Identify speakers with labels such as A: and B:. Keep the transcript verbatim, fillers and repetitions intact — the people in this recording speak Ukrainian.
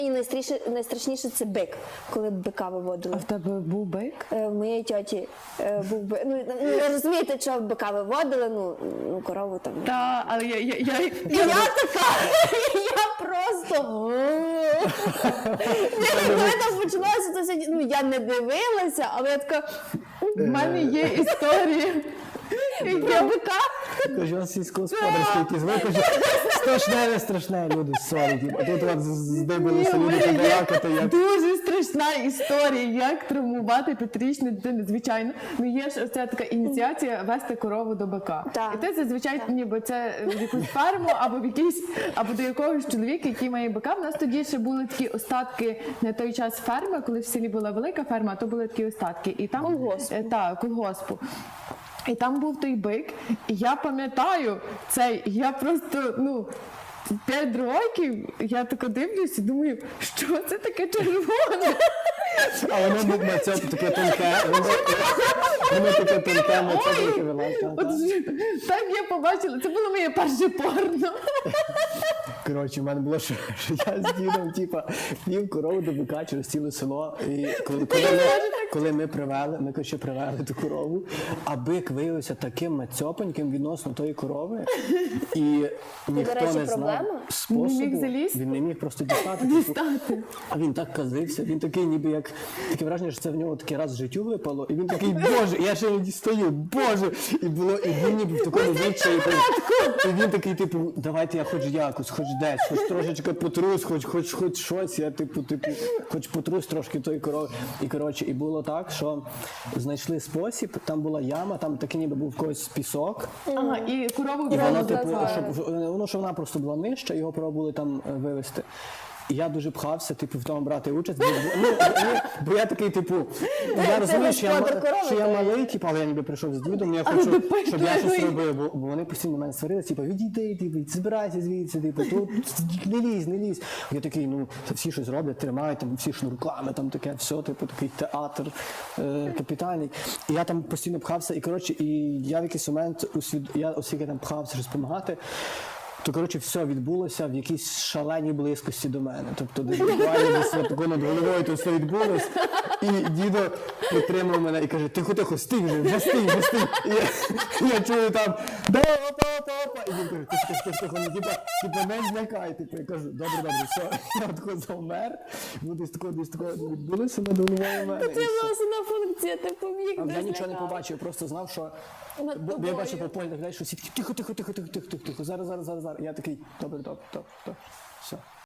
A: І найстрашніше, найстрашніше це бик, коли бика виводили.
B: А в тебе був бик?
A: Е, В моєї тьоті е, був бик. Ну, ну, ви розумієте, що бика виводили, ну, ну корову там.
B: Так, але я... я, я,
A: І я така, я просто... Коли там почалося, то все, ну, я не дивилася, але я така...
B: В мене є історія.
A: Про бика.
C: Кажу, он сільськогосподарський якийсь викаже, страшне, не страшне, люди, сорі. А тут от здибалися
B: Ні, в
C: люди
B: мене є
C: побалакати, як...
B: дуже страшна історія, як травмувати п'ятирічну дитину. Звичайно, ну є ж оця така ініціація вести корову до бика.
A: Так.
B: І ти зазвичай,
A: Так.
B: ніби це в якусь ферму або в якийсь, або до якогось чоловіка, який має бика. В нас тоді ще були такі остатки на той час ферми, коли в селі була велика ферма, а то були такі остатки. І там,
A: Колгоспу.
B: е, Так, колгоспу. І там був той бик, і я пам'ятаю цей, я просто, ну, п'ять років, я тако дивлюсь і думаю, що це таке червоне?
C: А воно був на цьому таке тонке, воно воно таке тонке, на цьому таке вилазь.
B: От ж- так я побачила, це було моє перше порно.
C: Коротше, в мене було, що, що я з дідом, типа, вів корову до бика через ціле село. І коли, коли, ми, коли ми привели, ми, коротше, привели ту корову, а бик виявився таким мацьопеньким відносно тої корови. І ніхто
A: речі,
C: не знав
A: проблема?
C: способу.
B: Не міг залізти?
C: Він не міг просто дістати. типу.
B: Дістати.
C: А він так казився, він такий ніби як, таке враження, що це в нього такий раз в життю випало, і він такий, боже, я ще не дістаю, боже, і було, і він ніби в такому відчаї, і він такий, типу, давайте я хоч якось, хоч десь, хоч трошечки потрус, хоч, хоч, хоч щось, я типу, типу, хоч потрус трошки тої корови. І, коротше, і було так, що знайшли спосіб, там була яма, там такий ніби був в когось пісок,
B: Ага, і корову
C: і воно,
B: відразу
C: типу,
B: назад.
C: щоб, воно, що вона просто була нижча, його пробували там е, вивезти. І я дуже пхався, типу, в тому брати участь, бо, ну, ну, бо я такий, типу, я розумію, що я,
A: господар корови,
C: що я
A: то-
C: малий, типу, але я ніби прийшов з дідом, я
B: Але
C: хочу,
B: допитливий.
C: щоб я щось робив, бо, бо вони постійно на мене сварилися, типу, відійди, типу, збирайся звідси, типу, тут не лізь, не лізь. Я такий, ну, всі щось роблять, тримають, там, всі шнурками, там таке, все, типу, такий театр е, капітальний. І я там постійно пхався, і, коротше, і я в якийсь момент, усвід... я оскільки там пхався щось допомагати, то, коротше, все відбулося в якійсь шаленій близькості до мене. Тобто, десь буквально десь тако над головою то все відбулось. І дідо підтримав мене і каже, тихо-тихо, стій вже, вже стій, вже стій. І я, я чую там, да, опа, опа, опа. І він каже, тихо, тихо, тихо, ну, типа, типа, не злякай. Типу, я кажу, добре, добре, все. Я тако завмер. Ну, десь тако, десь тако відбулося над головою в мене.
A: Це
C: і все.
A: була основна функція, ти поміг.
C: А
A: не
C: я нічого не
A: злякав.
C: побачив, я просто знав, що
A: Над
C: бо, бо я
A: тобою.
C: бачив по полі, так далі, що всі такі тихо, тихо, тихо, тихо, тихо, тихо, зараз, зараз, зараз, зараз. І я такий, добре, добре, добре, добре, все.